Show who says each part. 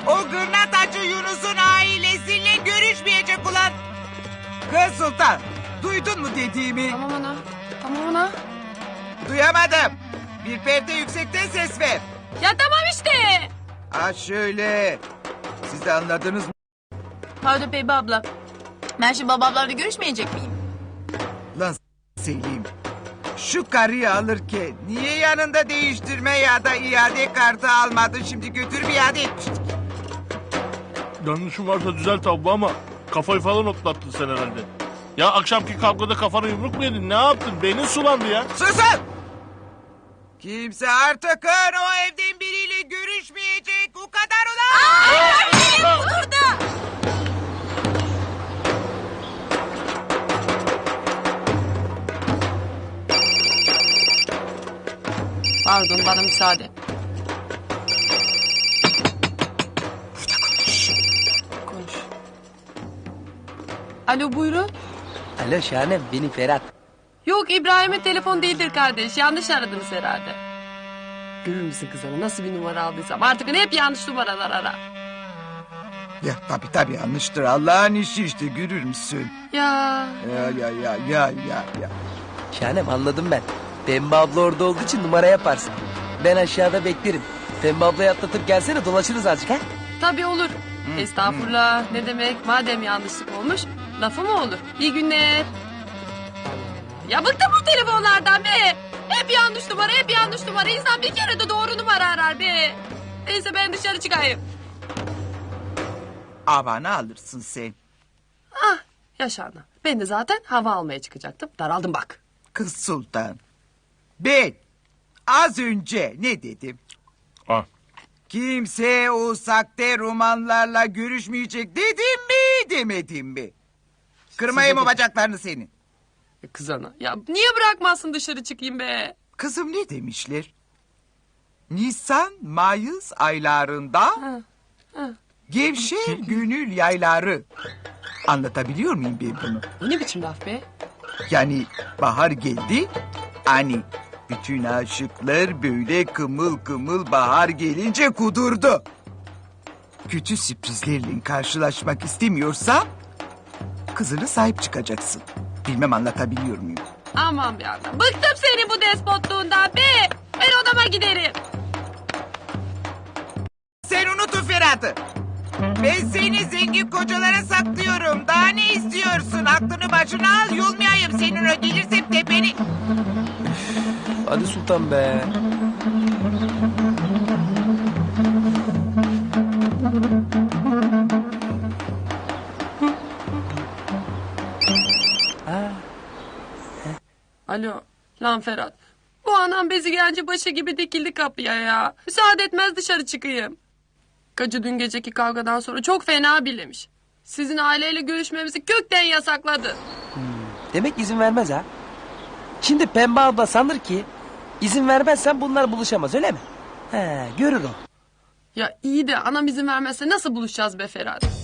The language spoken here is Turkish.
Speaker 1: O gırnatacı Yunus'un ailesiyle görüşmeyecek ulan. Kız Sultan, duydun mu dediğimi?
Speaker 2: Tamam ana. Tamam ana.
Speaker 1: Duyamadım. Bir perde yüksekten ses ver.
Speaker 2: Ya tamam işte.
Speaker 1: Ha şöyle. Siz de anladınız mı?
Speaker 2: Pardon Pembe abla. Ben şimdi babamlarla görüşmeyecek miyim?
Speaker 1: Lan Selim. Şu karıyı alırken niye yanında değiştirme ya da iade kartı almadın? Şimdi götürüp iade etmiştik.
Speaker 3: Yanlışım varsa düzelt abla ama kafayı falan otlattın sen herhalde. Ya akşamki kavgada kafana yumruk mu yedin? Ne yaptın? Beynin sulandı ya.
Speaker 1: Susun! Kimse artık o evden biriyle görüşmeyecek. O kadar ulan!
Speaker 2: Burada. Pardon bana müsaade. Konuş. Alo buyurun.
Speaker 4: Alo Şahanem, benim Ferhat.
Speaker 2: Yok İbrahim'in telefon değildir kardeş. Yanlış aradınız herhalde. Görür müsün kızana nasıl bir numara aldıysam. Artık hep yanlış numaralar ara.
Speaker 1: Ya tabii yanlıştır. Allah'ın işi işte görür müsün?
Speaker 2: Ya.
Speaker 1: Ya.
Speaker 4: Şahanem, anladım ben. Pembe abla orada olduğu için numara yaparsın. Ben aşağıda beklerim. Pembe ablayı atlatıp gelsene, dolaşırız azıcık ha.
Speaker 2: Tabii olur. Estağfurullah. Ne demek? Madem yanlışlık olmuş, lafı mı olur? İyi günler. Ya bıktım bu telefonlardan be. Hep yanlış numara, hep yanlış numara. İnsan bir kere de doğru numara arar be. Neyse ben dışarı çıkayım.
Speaker 1: Havanı alırsın sen.
Speaker 2: Ah yaşana. Ben de zaten hava almaya çıkacaktım. Daraldım bak.
Speaker 1: Kız Sultan. Ben az önce ne dedim?
Speaker 3: Ah.
Speaker 1: Kimse o sakte romanlarla görüşmeyecek dedim mi demedim mi? Kırmayayım o bacaklarını senin.
Speaker 2: Kız ana. Ya niye bırakmazsın dışarı çıkayım be?
Speaker 1: Kızım ne demişler? Nisan, Mayıs aylarında gevşer gönül yayları. Anlatabiliyor muyum ben bunu?
Speaker 2: Bu ne biçim laf be?
Speaker 1: Yani bahar geldi. Hani bütün aşıklar böyle kımıl kımıl bahar gelince kudurdu. Kötü sürprizlerle karşılaşmak istemiyorsan kızına sahip çıkacaksın. Bilmem anlatabiliyor muyum?
Speaker 2: Aman be ana. Bıktım senin bu despotluğundan be. Ben odama giderim.
Speaker 1: Sen unut o Ferhat'ı. Ben seni zengin kocalara saklıyorum. Daha ne istiyorsun? Aklını başına al, yolmayayım senin o gelirsem tepeni.
Speaker 4: Hadi Sultan be.
Speaker 2: Alo. Lan Ferhat. Bu anam bezi gelince başı gibi dikildi kapıya ya. Müsaade etmez dışarı çıkayım. Kacı dün geceki kavgadan sonra çok fena bilemiş. Sizin aileyle görüşmemizi kökten yasakladı.
Speaker 4: Demek izin vermez ha. Şimdi Pembe abla sanır ki izin vermezsen bunlar buluşamaz, öyle mi? He, görür o.
Speaker 2: Ya iyi de anam izin vermezse nasıl buluşacağız be Ferhat?